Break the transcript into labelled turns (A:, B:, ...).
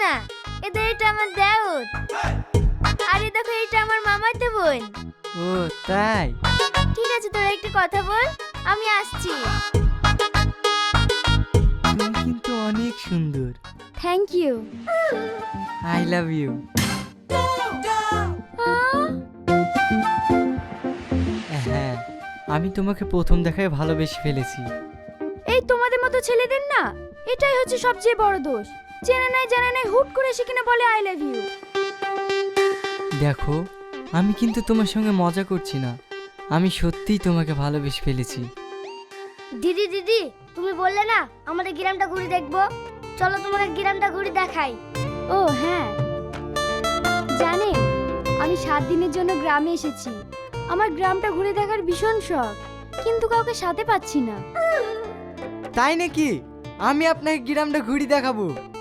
A: না, এদের এটা আমার দেওর। আরে দেখো, এটা আমার মামাতো বোন।
B: ও তাই?
A: ঠিক আছে, তোরা একটু কথা বল, আমি আসছি।
B: তুমি কিন্তু অনেক সুন্দর।
A: Thank you.
B: I love you. হ্যাঁ, আমি তোমাকে প্রথম দেখায় ভালোবেসে ফেলেছি।
A: এই তোমাদের মতো ছেলেদের না, এটাই হচ্ছে সবচেয়ে বড় দোষ। চেনা নাই জানা নাই হুট করে এসে কিনা বলে আই লাভ ইউ।
B: দেখো, আমি কিন্তু তোমার সঙ্গে মজা করছি না, আমি সত্যিই তোমাকে ভালোবেসে ফেলেছি।
A: দিদি দিদি, তুমি বললে না আমাদের গ্রামটা ঘুরে দেখবো, চলো তোমাকে গ্রামটা ঘুরে দেখাই। ও হ্যাঁ, জানেন আমি 7 দিনের জন্য গ্রামে এসেছি। আমার গ্রামটা ঘুরে দেখার ভীষণ শখ, কিন্তু কাউকে সাথে পাচ্ছি না।
B: তাই নাকি? আমি আপনাকে গ্রামটা ঘুরে দেখাবো।